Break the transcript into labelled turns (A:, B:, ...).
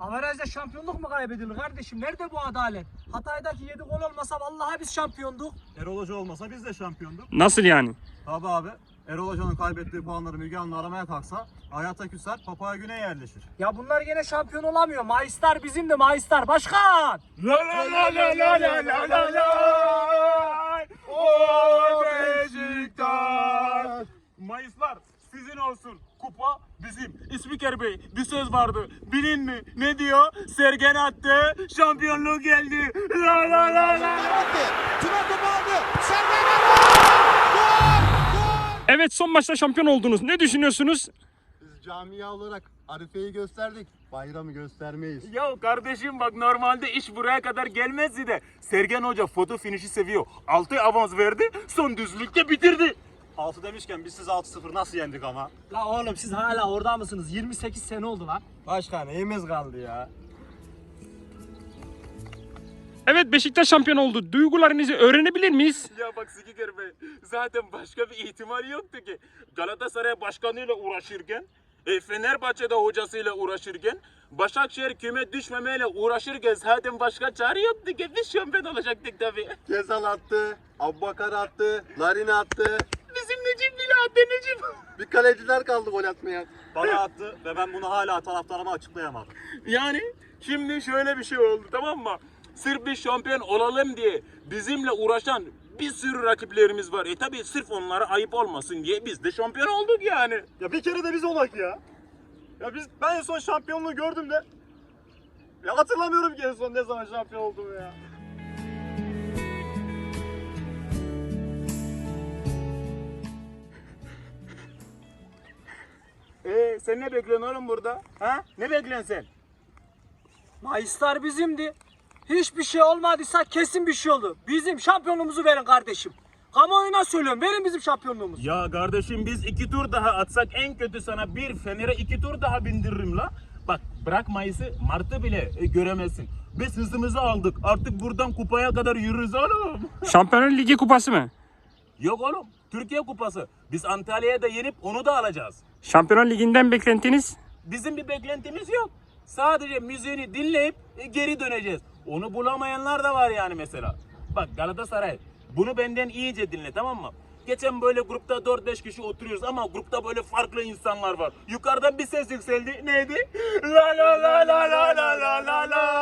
A: Averajda şampiyonluk mu kaybedilir kardeşim? Nerede bu adalet? Hatay'daki 7 gol olmasa vallahi biz şampiyonduk.
B: Erol Hoca olmasa biz de şampiyonduk.
C: Nasıl yani?
B: Tabi abi. Erol Hoca'nın kaybettiği puanları Müge Anlı aramaya kalksa hayata küser, Papaya Güney yerleşir.
A: Ya bunlar gene şampiyon olamıyor. Mayıslar bizim de Mayıslar. Başkan!
D: La la la la la la la la la. O Beşiktaş. Mayıslar sizin olsun. Kupa bizim. İspiker Bey bir söz vardı. Bilin mi? Ne diyor? Sergen attı. Şampiyonluğu geldi. La la la la.
E: Tuna topu aldı. Sergen attı.
C: Evet, son maçta şampiyon oldunuz. Ne düşünüyorsunuz?
F: Biz camia olarak Arife'yi gösterdik. Bayramı göstermeyiz.
D: Ya kardeşim bak normalde iş buraya kadar gelmezdi de Sergen Hoca foto finişi seviyor. 6 avans verdi. Son düzlükte bitirdi.
B: 6 demişken biz siz 6-0 nasıl yendik ama?
A: La oğlum siz hala orada mısınız? 28 sene oldu lan.
B: Başkan neyimiz kaldı ya?
C: Evet, Beşiktaş şampiyon oldu. Duygularınızı öğrenebilir miyiz?
D: Ya bak Spiker Bey zaten başka bir ihtimal yoktu ki. Galatasaray başkanıyla uğraşırken, Fenerbahçe'de hocasıyla uğraşırken, Başakşehir küme düşmemeyle uğraşırken zaten başka çare yoktu ki biz şampiyon olacaktık tabii.
F: Gezal attı, Abbakar attı, Larin attı.
D: Bizim Necip bile attı Necip.
F: Bir kaleciler kaldı gol atmaya.
B: Bana attı ve ben bunu hala taraftarıma açıklayamadım.
D: Yani şimdi şöyle bir şey oldu tamam mı? Sırf biz şampiyon olalım diye bizimle uğraşan bir sürü rakiplerimiz var. Tabii sırf onlara ayıp olmasın diye biz de şampiyon olduk yani.
B: Ya bir kere de biz olak ya. Ben en son şampiyonluğu gördüm de. Ya hatırlamıyorum ki en son ne zaman şampiyon olduğumu ya.
D: Sen ne bekliyorsun oğlum burada? Ha? Ne bekliyorsun sen?
A: Mayıslar bizimdi. Hiçbir şey olmadıysa kesin bir şey oldu. Bizim şampiyonluğumuzu verin kardeşim. Kamuoyuna söylüyorum, verin bizim şampiyonluğumuzu.
D: Ya kardeşim biz 2 tur daha atsak en kötü sana bir Fener'e 2 tur daha bindiririm la. Bak bırak Mayıs'ı Mart'ı bile göremezsin. Biz hızımızı aldık. Artık buradan kupaya kadar yürürüz oğlum.
C: Şampiyonlar Ligi kupası mı?
D: Yok oğlum. Türkiye Kupası. Biz Antalya'ya da yenip onu da alacağız.
C: Şampiyonlar Ligi'nden beklentiniz?
D: Bizim bir beklentimiz yok. Sadece müziğini dinleyip geri döneceğiz. Onu bulamayanlar da var yani mesela. Bak Galatasaray bunu benden iyice dinle tamam mı? Geçen böyle grupta 4-5 kişi oturuyoruz ama grupta böyle farklı insanlar var. Yukarıdan bir ses yükseldi. Neydi? La la la la la la la la la.